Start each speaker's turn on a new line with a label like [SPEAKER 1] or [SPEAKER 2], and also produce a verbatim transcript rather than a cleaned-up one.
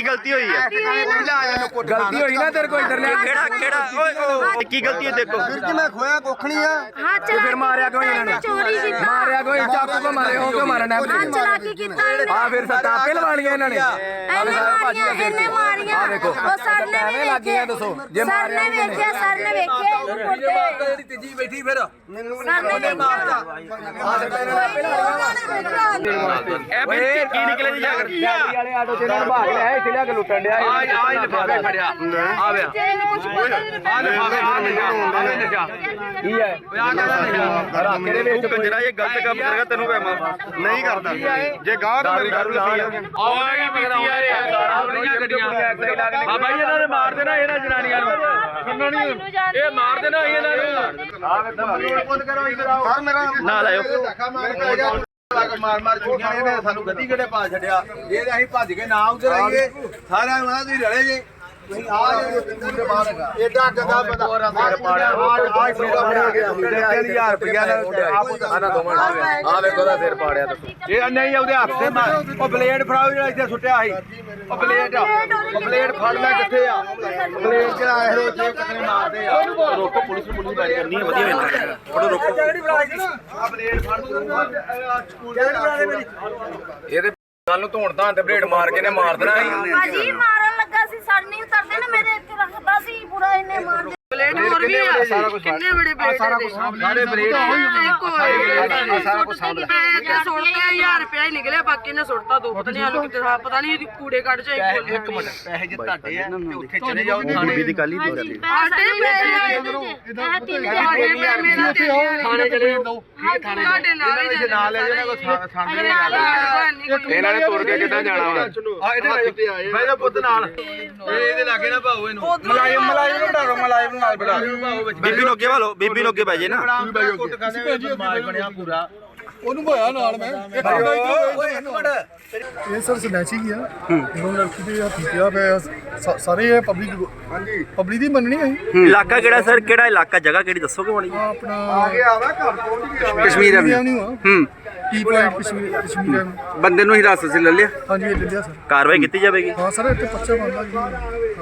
[SPEAKER 1] ਕੀ ਗਲਤੀ ਹੋਈ ਹੈ?
[SPEAKER 2] ਗਲਤੀ ਹੋਈ ਨਾ ਤੇਰੇ ਕੋਈ ਇਧਰ ਲਿਆ
[SPEAKER 1] ਕਿਹੜਾ ਕਿਹੜਾ ਓਏ ਓ ਕੀ ਗਲਤੀ ਹੈ ਦੇਖੋ
[SPEAKER 3] ਵੀਰ ਜੀ ਮੈਂ ਖੋਇਆ ਕੁੱਖ ਨਹੀਂ ਆ।
[SPEAKER 4] ਹਾਂ
[SPEAKER 2] ਤੇ ਫਿਰ ਮਾਰਿਆ ਕਿਉਂ ਇਹਨਾਂ ਨੇ?
[SPEAKER 4] ਚੋਰੀ ਕੀਤਾ,
[SPEAKER 2] ਮਾਰਿਆ ਕੋਈ ਚਾਕੂ ਕੋ ਮਾਰੇ ਹੋ ਕਿਉਂ ਮਾਰਨਾ
[SPEAKER 4] ਹਾਂ ਚਲਾਕੀ ਕੀਤਾ ਇਹਨੇ।
[SPEAKER 2] ਆ ਫਿਰ ਸੱਟਾਂ ਆਪੇ ਲਵਾਣੀਆਂ ਇਹਨਾਂ ਨੇ।
[SPEAKER 4] ਇਹਨੇ ਮਾਰੀਆਂ ਇਹਨੇ ਮਾਰੀਆਂ।
[SPEAKER 2] ਆ ਦੇਖੋ
[SPEAKER 4] ਉਹ ਸਰ ਨੇ ਵੀ ਵੇਖਿਆ,
[SPEAKER 2] ਦੱਸੋ ਜੇ
[SPEAKER 4] ਸਰ ਨੇ ਵੇਖਿਆ, ਸਰ ਨੇ ਵੇਖਿਆ ਇਹਨੂੰ ਕੁੱਟੇ।
[SPEAKER 2] ਜਿਹੜੀ ਤੀਜੀ ਬੈਠੀ ਫਿਰ
[SPEAKER 4] ਸਰ ਨੇ ਵੇਖਿਆ
[SPEAKER 1] ਇਹ ਕੀ ਨਿਕਲੇ ਜੀ ਜਾਗਰ
[SPEAKER 2] ਡਾਕਟਰੀ ਵਾਲੇ ਆਟੋ ਚ ਇਹਨਾਂ ਨੂੰ ਭਾਗ ਲਿਆ ਇੱਥੇ ਲਿਆ ਕੇ ਲੁੱਟਣ ਡਿਆ
[SPEAKER 5] ਆ ਆ ਲਿਫਾਫੇ ਖੜਿਆ ਆ ਵੇ ਆ ਲਿਫਾਫੇ ਆ ਨਸ਼ਾ ਆ ਨਸ਼ਾ
[SPEAKER 2] ਕੀ ਹੈ
[SPEAKER 5] ਆ ਕਹਿੰਦਾ ਨਸ਼ਾ
[SPEAKER 2] ਰੱਖ ਦੇ ਵਿੱਚ
[SPEAKER 1] ਤੂੰ ਕੰਜਰਾ ਇਹ ਗਲਤ ਕੰਮ ਕਰੇਗਾ ਤੈਨੂੰ ਮੈਂ ਨਹੀਂ ਕਰਦਾ ਜੇ ਗਾਹ ਨੂੰ ਮੇਰੀ ਗੱਲ
[SPEAKER 5] ਆਉਣਾ ਕੀ ਪੀਤੀ ਯਾਰ ਇਹ ਦਾੜਾ ਬੜੀਆਂ ਗੱਡੀਆਂ ਆ ਬਾਈ ਇਹਨਾਂ ਨੇ ਮਾਰ ਦੇਣਾ ਇਹਨਾਂ ਜਨਾਨੀਆਂ ਨੂੰ ਸੁਣਨਾ ਨਹੀਂ ਇਹ ਮਾਰ ਦੇਣਾ ਇਹਨਾਂ ਨੂੰ ਆ ਵੇ ਬੰਦ ਕਰੋ ਇਧਰ ਆਓ
[SPEAKER 3] ਸਰ ਮੇਰਾ
[SPEAKER 1] ਨਾਲ ਆਇਓ
[SPEAKER 3] ਧੱਕਾ ਮਾਰ ਪੈ ਗਿਆ।
[SPEAKER 5] ਮਾਰ ਮਾਰ ਚੁੱਕੀਆਂ ਇਹਨੇ ਸਾਨੂੰ ਗੱਡੀ ਕਿਹੜੇ ਪਾ ਛੱਡਿਆ ਇਹ ਅਸੀਂ ਭੱਜ ਕੇ ਨਾ ਉਧਰ ਆਈਏ ਸਾਰਿਆਂ ਨੂੰ ਤੁਸੀਂ ਰਲੇ ਜੇ ਤੁਸੀਂ ਆ ਜੇ ਬਾਹਰ
[SPEAKER 3] ਏਡਾ ਗੰਦਾ ਬੰਦਾ
[SPEAKER 5] ਸਿਰ ਪਾੜਿਆ ਆ ਸੌਦਾ ਫੜਿਆ ਗਿਆ ਤਿੰਨ ਹਜ਼ਾਰ ਰੁਪਇਆ ਦਾ
[SPEAKER 2] ਆਨਾ ਦੋਵਾਂ ਆ ਵੇਖੋ ਦਾ ਸਿਰ ਪਾੜਿਆ ਦੱਸੋ
[SPEAKER 5] ਇਹ ਨਹੀਂ ਉਹਦੇ ਹੱਥ ਤੇ ਮਾਰ ਉਹ ਬਲੇਡ ਫੜਾਓ ਜਿਹੜਾ ਇੱਥੇ ਸੁੱਟਿਆ ਸੀ ਉਹ ਬਲੇਡ ਉਹ ਬਲੇਡ ਫੜ ਲੈ ਕਿੱਥੇ ਆ ਬਲੇਡ ਜਿਹੜਾ ਇਹੋ ਜਿਹੇ ਕਿਤਨੇ ਮਾਰਦੇ ਆ
[SPEAKER 1] ਰੋਕੋ ਪੁਲਿਸ ਨੂੰ ਪੁਲਿਸ ਗੱਲ ਕਰਨੀ ਹੈ ਵਧੀਆ ਵੇਖਣਾ ਫੜੋ ਰੋਕੋ
[SPEAKER 5] ਆ ਬਲੇਡ ਫੜ ਸਕੂਲ ਦੇ ਮੇਰੀ
[SPEAKER 2] ਇਹਦੇ ਗੱਲ ਨੂੰ ਧੋਣ ਧਾਣ ਤੇ ਬਲੇਡ ਮਾਰ ਕੇ ਨੇ ਮਾਰ ਦੇਣਾ ਸੀ।
[SPEAKER 4] ਭਾਜੀ ਮਾਰਨ ਲੱਗਾ ਸੀ, ਸਰ ਨਹੀਂ ਉਤਰਦੇ ਨਾ ਮੇਰੇ ਇੱਥੇ ਰੱਖਦਾ ਸੀ ਪੂਰਾ ਇਹਨੇ ਮਾਰ ਦੇ।
[SPEAKER 6] ਬਲੇਡ ਹੋਰ ਵੀ ਆ ਕਿੰਨੇ ਬੜੇ ਬਲੇਡ
[SPEAKER 5] ਸਾਰਾ ਕੁਝ ਸਾਡੇ ਬਲੇਡ
[SPEAKER 6] ਸਾਰਾ ਕੁਝ ਸਾਹਮਣੇ ਤੇ ਸੁੱਟਦੇ ਹਜ਼ਾਰ ਰੁਪਇਆ ਹੀ ਨਿਕਲਿਆ, ਬਾਕੀ ਨੇ ਸੁੱਟਤਾ ਦੋ ਪਤਾ ਨਹੀਂ ਆਲੂ ਕਿਤੇ ਪਤਾ ਨਹੀਂ ਕੂੜੇ ਕੱਢ ਚ
[SPEAKER 5] ਇੱਕ ਮਿੰਟ ਪੈਸੇ ਜੇ ਤੁਹਾਡੇ ਆ ਤੇ ਉੱਥੇ ਚਲੇ ਜਾਓ
[SPEAKER 1] ਬੀਬੀ ਦੀ ਕੱਲ ਹੀ ਦੋ ਰਹੀ
[SPEAKER 4] ਸਾਡੇ ਪੈਸੇ
[SPEAKER 6] ਮੇਰਾ
[SPEAKER 5] ਥਾਣੇ ਚਲੇ ਜਾਓ
[SPEAKER 6] ਤੁਹਾਡੇ ਨਾਲ ਹੀ
[SPEAKER 5] ਨਾਲ ਲੈ ਜਾਣਾ ਕੋ ਸਾਹਮਣੇ
[SPEAKER 2] ਇਹਨਾਂ ਨੇ ਤੁਰ ਕੇ ਕਿੱਦਾਂ ਜਾਣਾ ਵਾ?
[SPEAKER 5] ਆ ਇਹਦੇ ਭਾਈ ਦਾ ਪੁੱਤ ਨਾਲ ਇਹਦੇ ਲਾਗੇ ਨਾ ਭਾਉ ਇਹਨੂੰ ਮਲਾਇਮ ਮਲਾਇਮ ਨੂੰ ਢਾਰੋ ਮਲਾਇਮ ਨਾਲ ਬਿਠਾ ਭਾਉ ਵਿੱਚ
[SPEAKER 1] ਬੀਬੀ ਨੂੰ ਅੱਗੇ ਵਾਲੋ ਬੀਬੀ ਨੂੰ ਅੱਗੇ ਬਾਜੇ ਨਾ
[SPEAKER 5] ਕੁੱਟ ਖਾਣੇ ਮਾਰ ਬਣਿਆ ਪੂਰਾ
[SPEAKER 3] ਉਹਨੂੰ ਹੋਇਆ ਨਾਲ ਮੈਂ
[SPEAKER 5] ਓਏ ਇੱਕ ਮਿੰਟ
[SPEAKER 3] ਇਹ ਸਰ ਸਨੈਚਿੰਗ ਆ ਇਹਨਾਂ ਲੜਕੀ ਦੇ ਹੱਥ ਪਿਆ ਪਿਆ ਸਾ- ਸਾਰੇ ਇਹ ਪਬਲਿਕ ਹਾਂਜੀ ਪਬਲਿਕ ਦੀ ਮੰਨਣੀ ਹੈ
[SPEAKER 1] ਇਲਾਕਾ ਕਿਹੜਾ ਸਰ ਕਿਹੜਾ ਇਲਾਕਾ ਜਗ੍ਹਾ ਕਿਹੜੀ ਦੱਸੋਗੇ ਮਾੜੀ
[SPEAKER 3] ਆ ਆਪਣਾ
[SPEAKER 5] ਆ ਵਾ ਘਰ ਪਹੁੰਚ ਗਿਆ
[SPEAKER 1] ਕਸ਼ਮੀਰ
[SPEAKER 3] ਐਵਨਿਊ ਆ
[SPEAKER 1] ਹੂੰ
[SPEAKER 3] T point Kashmir Kashmir avenue.
[SPEAKER 1] ਬੰਦੇ ਨੂੰ ਹਿਰਾਸਤ 'ਚ ਲੈ ਲਿਆ
[SPEAKER 3] ਹਾਂਜੀ ਇਹ ਲੈ ਲਿਆ ਸਰ।
[SPEAKER 1] ਕਾਰਵਾਈ ਕੀਤੀ ਜਾਵੇਗੀ
[SPEAKER 3] ਹਾਂ ਸਰ ਇੱਥੇ ਪੱਚਾ ਬਣਦਾ ਜੀ।